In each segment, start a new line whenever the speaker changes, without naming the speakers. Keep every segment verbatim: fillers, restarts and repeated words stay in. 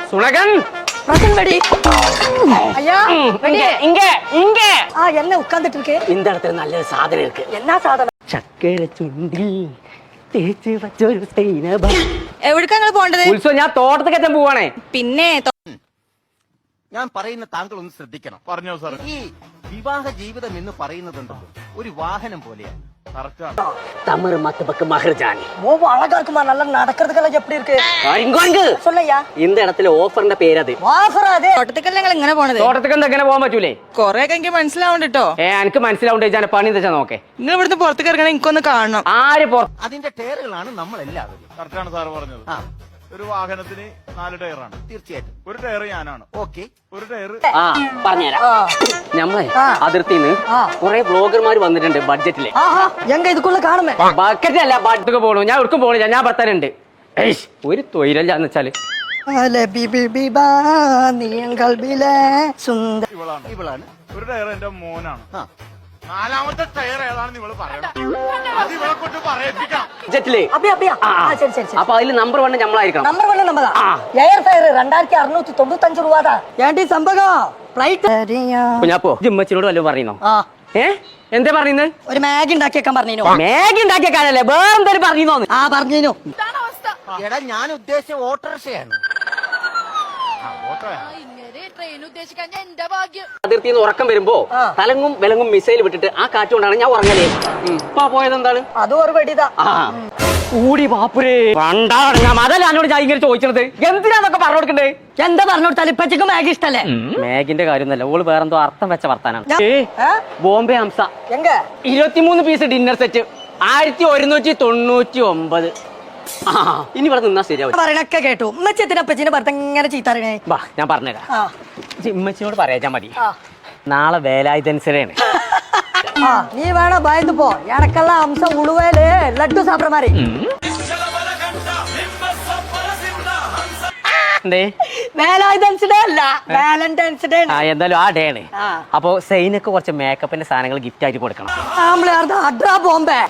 சுனகன்
ஐயா
இங்க இங்க இங்க
ஆ என்ன உட்கார்ந்துட்டு இருக்கு
இந்த இடத்துல நல்ல சாதனை இருக்கு
என்ன சாதனை
ചക്കര ചുണ്ടിൽ തേച്ച് വച്ചൊരു സൈനബ
എവിടേക്കാ നിങ്ങൾ പോണ്ടത്
ഉത്സവം ഞാൻ തോട്ടത്തേക്ക് പോവാണേ
പിന്നെ
ഞാൻ പറയുന്ന താങ്കൾ ഒന്ന് ശ്രദ്ധിക്കണം.
പറഞ്ഞോ സാർ.
ഈ വിവാഹ ജീവിതം എന്ന് പറയുന്നതുണ്ടല്ലോ ഒരു வாகனம் போலയാണ്.
തമിഴ് മത്തബക്ക് മഹർജാനി
ஓ அழகா இருக்குமா நல்லா நடக்கிறதுக்கெல்லாம் எப்படி இருக்கு
ഇങ്ങോട്ട്
சொல்லையா
இந்த இடத்துல ഓഫറിന്റെ പേരത്
வாஃபரா அது
തോട്ടത്തേക്കല്ല നിങ്ങൾ ഇങ്ങനെ പോണത്
തോട്ടത്തേക്ക് എന്താ എങ്ങനെ പോകാൻ പറ്റൂലേ
കൊറേ ഒക്കെ എനിക്ക് മനസ്സിലാവണ്ട കേട്ടോ
ഏ എനിക്ക് മനസ്സിലാവുണ്ട് ഞാൻ പണി എന്താ നോക്കേ
നിങ്ങൾ ഇവിടുന്ന് പുറത്തേക്ക് ഇറങ്ങണേ എനിക്കൊന്ന് കാണണം
ആര് പുറത്ത്
അതിന്റെ ടയറുകളാണ് നമ്മൾ എല്ലാവരും.
കറക്റ്റാണ് സാർ പറഞ്ഞത്.
ആ
ഒരു വാഹനത്തിന് നാല് ടയറാണ്.
തീർച്ചയായിട്ടും.
ഒരു ടയർ ഞാനാണ്.
ഓക്കെ.
ഒരു ടയർ
ആ പറഞ്ഞുതരാം ഞമ്മളെ അതിർത്തിന്ന് കുറെ ബ്ലോഗർമാർ വന്നിട്ടുണ്ട് ബഡ്ജറ്റില്
ஆஹா எங்க இதுக்குள்ள காணுமே
ബക്കറ്റ് അല്ല ബഡ്ജറ്റ് പോണു ഞാൻ ഒടുക്കും പോണില്ല ഞാൻ ഭർത്താനുണ്ട് ഒരു തൊഴിലല്ല എന്ന് വെച്ചാല്
അലെ ബിബി ബിബാ നീങ്ങൾ ബിലെ സുന്ദര
ഇവളാണ്.
ഇവളാണ്.
ഒരു ടയർ എന്റെ മോനാണ്.
ആ
നാലാമത്തെ ടയർ ഏതാണെന്ന് ഇവള് പറയണം. അത് ഇവളെ കൊണ്ട് പറയിപ്പിക്കാം.
ബഡ്ജറ്റില്
அப்படியே அப்படியே
ആ,
ஆ சரி சரி சரி
അപ്പൊ അതില് നമ്പർ വൺ നമ്മളായിരിക്കണം
நம்பர் ஒண்ணு நம்ம தான் ஏர் ஃபயர் ரெண்டாயிரத்தி அறுநூத்தி தொண்ணூத்தஞ்சு ரூபா தான் ஏண்டி சம்பகம் ഫ്ലൈറ്റ്
കുഞ്ഞാപ്പോ ജിമ്മച്ചിനോട് വല്ലതും പറയുന്നോ
ആ
ഏ എന്താ പറയുന്നത്
ഒരു മാഗി ഉണ്ടാക്കിയേക്കാൻ പറഞ്ഞു
മാഗി ഉണ്ടാക്കിയ കാലല്ലേ വേറെ എന്തായാലും പറഞ്ഞോന്ന്
ആ പറഞ്ഞു
എടാ ഞാൻ ഉദ്ദേശിച്ച ഓട്ടോറിക്ഷയാണ്.
അതിർത്തിയിൽ നിന്ന് ഉറക്കം വരുമ്പോ തലങ്ങും വിലങ്ങും മിസൈൽ വിട്ടിട്ട് ആ കാറ്റുകൊണ്ടാണ് ഞാൻ ഉറങ്ങലേ ഇപ്പൊ പോയത് എന്താണ്
അതും ഒരു വെടിതാ
കൂടി പാപ്പുരേ പണ്ടാണ് ഞാൻ അതല്ല എന്നോട് ഞാൻ ഇങ്ങനെ ചോദിച്ചത് എന്തിനാന്നൊക്കെ പറഞ്ഞു കൊടുക്കണ്ടേ
എന്താ പറഞ്ഞു കൊടുത്താൽ ഇപ്പച്ചക്ക് മാഗി ഇഷ്ടല്ലേ
മാഗിന്റെ കാര്യമൊന്നുമല്ല ഓള് വേറെന്തോ അർത്ഥം വെച്ച വർത്താനാണ്
ഞാൻ-
ഏ,
ഏ?
ബോംബെ ഹംസ
എങ്ക
ഇരുപത്തിമൂന്ന് പീസ് ഡിന്നർ സെറ്റ് ആയിരത്തി ഒരുന്നൂറ്റി തൊണ്ണൂറ്റി ഒമ്പത് ആ ഇനി ഇവിടെ നിന്നാ ശരിയാവും
പറയണൊക്കെ കേട്ടു ഉമ്മച്ചത്തിനെ അപ്പച്ചിനെ ഭർത്ത ഇങ്ങനെ ചീത്തറിയണേ
വാ ഞാൻ പറഞ്ഞുതരാം
ആ
ഇമ്മച്ചിനോട് പറയാച്ചാ മതി
ആ
നാളെ വേലായുധനുസരിയാണ്
ആ നീ വേണം ഭയന്ന് പോ എനക്കുള്ള അംശം ഉളുവേല് ലഡ്ഡു സാപ്പിട മാറി
എന്തേ
വേലായുധൻസ് ഡേ അല്ല വാലന്റൈൻസ് ഡേ
ആ എന്തായാലും ആ ഡേ ആണ്
ആ.
അപ്പൊ സൈനക്ക് കുറച്ച് മേക്കപ്പിന്റെ സാധനങ്ങൾ ഗിഫ്റ്റ് ആയിട്ട് കൊടുക്കണം
ആമ്പിളാർന്ന് അഡ്രാ ബോംബെ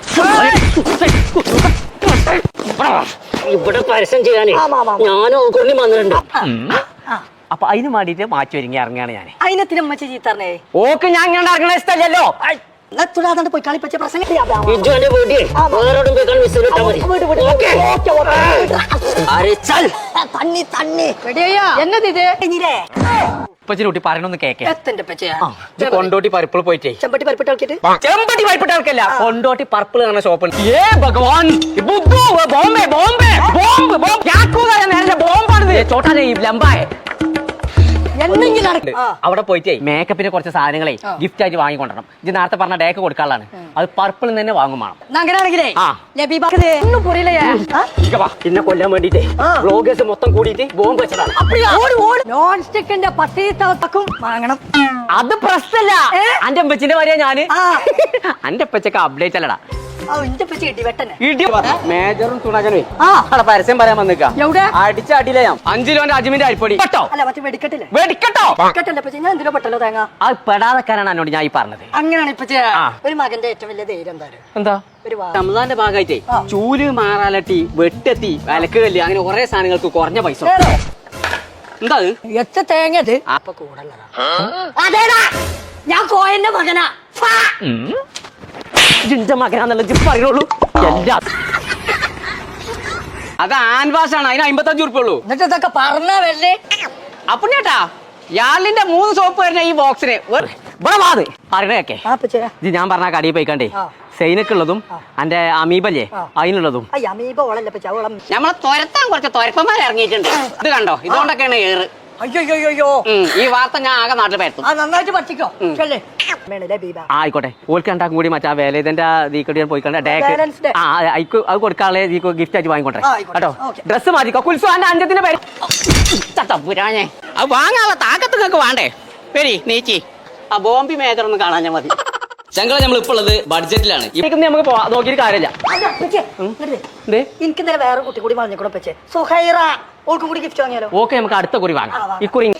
ഇവിടെ പരസ്യം ചെയ്യാനേ
ആമാ, ആമാ.
ഞാനും കൊണ്ട് വന്നിട്ടുണ്ട് അപ്പൊ അതിന് വേണ്ടിട്ട് മാറ്റി ഒരുങ്ങി ഇറങ്ങിയാണ് ഞാൻ
അതിനെത്തിന് ഉമ്മച്ചി ചീത്തറിനേ
ഓക്ക് ഞാൻ ഇങ്ങനെ ഇറങ്ങണ ഇഷ്ടമല്ലല്ലോ
തുടാതെ പോയി കളിപ്പച്ച പ്രസംഗം
ഇജുവിന്റെ വീട്ടിൽ വേറോടും പോയി കാണാൻ മിസ് ഇട്ടാ മതി ഓക്കേ. അരെ ചൽ
തണ്ണി തണ്ണി എന്നത് ഇത്
ഉപ്പച്ചിനെ കുട്ടി പറയണൊന്ന് കേക്കേ
എത്തിന്റെ പച്ചയാ
ഇത് കൊണ്ടോട്ടി പർപ്പിൾ പോയിട്ടേ
ചെമ്പട്ടി പരിപ്പിട്ട് കളിക്കിട്ട്
ചെമ്പട്ടി പരിപ്പിട്ട ആൾക്കല്ല കൊണ്ടോട്ടി പർപ്പിൾ കാണുന്ന ഷോപ്പ് ഏ ഭഗവാൻ ബുദ്ധു ബോംബെ ബോംബെ ബോംബ് ബോംബ് ക്യാ കൂദാ നേരെ ബോംബാണ് ചോട്ടാ ഈ ലംബായ
എന്തെങ്കിലും നടക്കും
അവിടെ പോയിട്ടേ മേക്കപ്പിന് കുറച്ച് സാധനങ്ങളെ ഗിഫ്റ്റ് ആയിട്ട് വാങ്ങിക്കൊണ്ടണം ഇത് നേരത്തെ പറഞ്ഞ ഡേക്ക് കൊടുക്കാനുള്ളതാണ് അത് പർപ്പിൾ തന്നെ വാങ്ങും വേണം
അങ്ങനെയാണെങ്കിലേ
ആ.
ഒന്നും പുറിയില്ലേ
ഇങ്ങ വാ, എന്നെ കൊല്ലാൻ വേണ്ടിട്ടേ ബ്ലോഗേഴ്സ് മൊത്തം കൂടിയിട്ട് ബോംബ് വെച്ചതാണ്
നോൺ സ്റ്റിക്കിന്റെ പത്തീത്തക്കും വാങ്ങണം
അത് പ്രശ്നല്ല അന്റെ അമ്പച്ചിന്റെ വരെയാ ഞാന്
ആ.
അന്റെ അപ്പച്ചൊക്കെ അപ്ഡേറ്റ് അല്ലടാ
ആ ഇന്റെ പച്ച ഇടി വെട്ടനെ
ഇടി മേജറും തുണകനും
ആ.
അവിടെ പരസ്യം പറയാൻ വന്നിക്ക
എവിടെ
അടിച്ച അടിയിലെ ഞാൻ അഞ്ചു കിലോന്റെ അജിമിന്റെ അരിപ്പൊടി കേട്ടോ
അല്ല മറ്റേ വെടിക്കെട്ടില്ലേ
വെടിക്കട്ടോ
വെടിക്കെട്ടല്ലേ പച്ച ഞാൻ എന്തിനോ പെട്ടല്ലോ തേങ്ങ
അത് പെടാതെക്കാനാണ് എന്നോട് ഞാൻ ഈ പറഞ്ഞത്
അങ്ങനെയാണ് ഇപ്പൊ
ആ.
ഒരു മകന്റെ ഏറ്റവും വലിയ ധൈര്യം എന്തായാലും
എന്താ
ഒരു വാ
റമദാന്റെ ഭാഗമായിട്ടേ ചൂല് മാറാലട്ടി വെട്ടെത്തി വിലക്ക് കല്ല് അങ്ങനെ കുറെ സാധനങ്ങൾക്ക് കുറഞ്ഞ പൈസ
ഏതോ?
എന്താ അത്?
എച്ച തേങ്ങ ഇത് അപ്പൊ കൂടല്ലടാ അതേടാ ഞാൻ കോയന്റെ മകനാ ഫാ.
ജിന്റെ മകനാന്നുള്ള ജിപ്പ് പറയുള്ളൂ എല്ലാം അത് ആൻവാസ് ആണ് അതിന് അമ്പത്തഞ്ചു ഉറുപ്പ ഉള്ളൂ
എന്നിട്ട് ഇതൊക്കെ പറഞ്ഞ വല്ലേ
അപ്പൊ ചേട്ടാ യാളിന്റെ മൂന്ന് സോപ്പ് വരുന്ന ഈ ബോക്സിന് ഇവിടെ വാത് പറയണേക്കെ
ആ പച്ചേ
ഇത് ഞാൻ പറഞ്ഞ കടിയിൽ പോയിക്കണ്ടേ
ആ.
സൈനക്കുള്ളതും അന്റെ അമീബല്ലേ
ആ.
അതിനുള്ളതും
അയ്യ അമീബ ഓളല്ല പച്ച ഓളം
നമ്മളെ തുരത്താൻ കുറച്ച് തുരപ്പന്മാർ ഇറങ്ങിയിട്ടുണ്ട് ഇത് കണ്ടോ ഇതുകൊണ്ടൊക്കെയാണ് ഏറ്
അയ്യോ അയ്യോ അയ്യോ
ഉം, ഈ വാർത്ത ഞാൻ ആകെ നാട്ടിൽ പരത്തും
ആ നന്നായിട്ട് പഠിക്കോ ചെല്ലേ വേണല്ലേ ബീബ
ആ, ആയിക്കോട്ടെ ഓൾക്ക് രണ്ടാക്കും കൂടി മറ്റേ വേലേതന്റെ ദീക്കടി പോയി കണ്ട
Balance day.
ആ അയക്ക് അത് കൊടുക്കാളെ ദീക്ക് ഗിഫ്റ്റ് ആയിട്ട് വാങ്ങിക്കോട്ടെ
ആ, ആയിക്കോട്ടെ.
കേട്ടോ
ഓക്കേ.
ഡ്രസ് മാറ്റിക്കോ കുൽസു അന്റെ അഞ്ചത്തിന്റെ പേര് പുരാഞ്ഞേ അത് വാങ്ങാനുള്ള താക്കത്ത് നിങ്ങൾക്ക് വേണ്ടേ പേരി നീച്ചി ആ ബോംബി മേജർ ഒന്ന് കാണാൻ ഞാൻ മതി ഞങ്ങൾ നമ്മൾ ഇപ്പോൾ ഉള്ളത് ബഡ്ജറ്റിലാണ് ഇതൊക്കെ നമുക്ക് പോവാ നോക്കിയിട്ട് കാര്യമില്ല എന്തേ
എനിക്ക് ഇന്നലെ വേറെ കുട്ടി കൂടി വാങ്ങിക്കൂടെ പച്ചേ സുഹൈറ ഓൾക്കും കൂടി ഗിഫ്റ്റ് വാങ്ങിയാലോ
ഓക്കെ നമുക്ക് അടുത്ത കുറി വാങ്ങാം
ആ, വാങ്ങാം.
ഇക്കുറി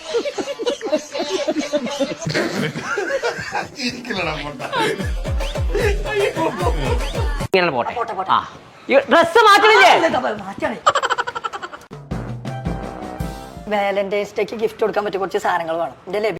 ഇങ്ങനെ പോട്ടെ
പോട്ടെ, പോട്ടെ.
ആ ഡ്രസ് മാറ്റണില്ലേ
മാറ്റാണ് വാലന്റൈൻസ് ഡേക്ക് ഗിഫ്റ്റ് കൊടുക്കാൻ പറ്റിയ കുറച്ച് സാധനങ്ങൾ വേണം എന്റെ ലഭ്യ